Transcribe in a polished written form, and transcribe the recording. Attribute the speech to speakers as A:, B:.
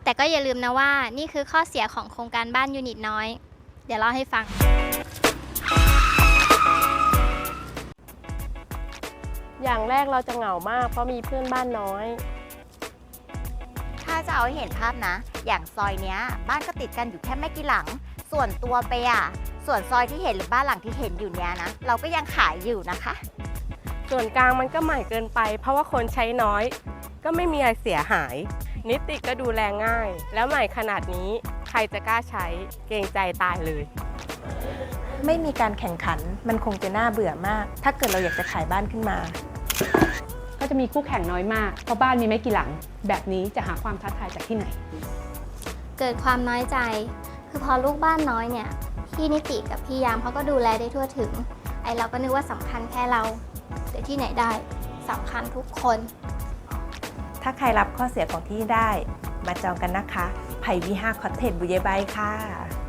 A: แต่ก็อย่าลืมนะว่านี่คือข้อเสียของโครงการบ้านยูนิตน้อยเดี๋ยวเล่าให้ฟัง
B: อย่างแรกเราจะเหงามากเพราะมีเพื่อนบ้านน้อย
C: ถ้าจะเอาให้เห็นภาพนะ อย่างซอยเนี้ยบ้านก็ติดกันอยู่แค่ไม่กี่หลัง ส่วนตัวไปส่วนซอยที่เห็นหรือบ้านหลังที่เห็นอยู่เนี้ยนะ เราก็ยังขายอยู่นะคะ
B: ส่วนกลางมันก็ใหม่เกินไป เพราะว่าคนใช้น้อย ก็ไม่มีอะไรเสียหาย นิติก็ดูแลง่าย แล้วใหม่ขนาดนี้ใครจะกล้าใช้เกรงใจตายเลย
D: ไม่มีการแข่งขันมันคงจะน่าเบื่อมาก ถ้าเกิดเราอยากจะขายบ้านขึ้นมา
E: ก็จะมีคู่แข่งน้อยมากเพราะบ้านมีไม่กี่หลังแบบนี้จะหาความท้าทายจากที่ไหน
A: เกิดความน้อยใจคือพอลูกบ้านน้อยเนี่ยพี่นิติกับพี่ยามเขาก็ดูแลได้ทั่วถึงไอเราก็นึกว่าสำคัญแค่เราแต่ที่ไหนได้สำคัญทุกคน
D: ถ้าใครรับข้อเสียของที่ได้มาจองกันนะคะไผ่วิหารคอตเทจบุเยบายค่ะ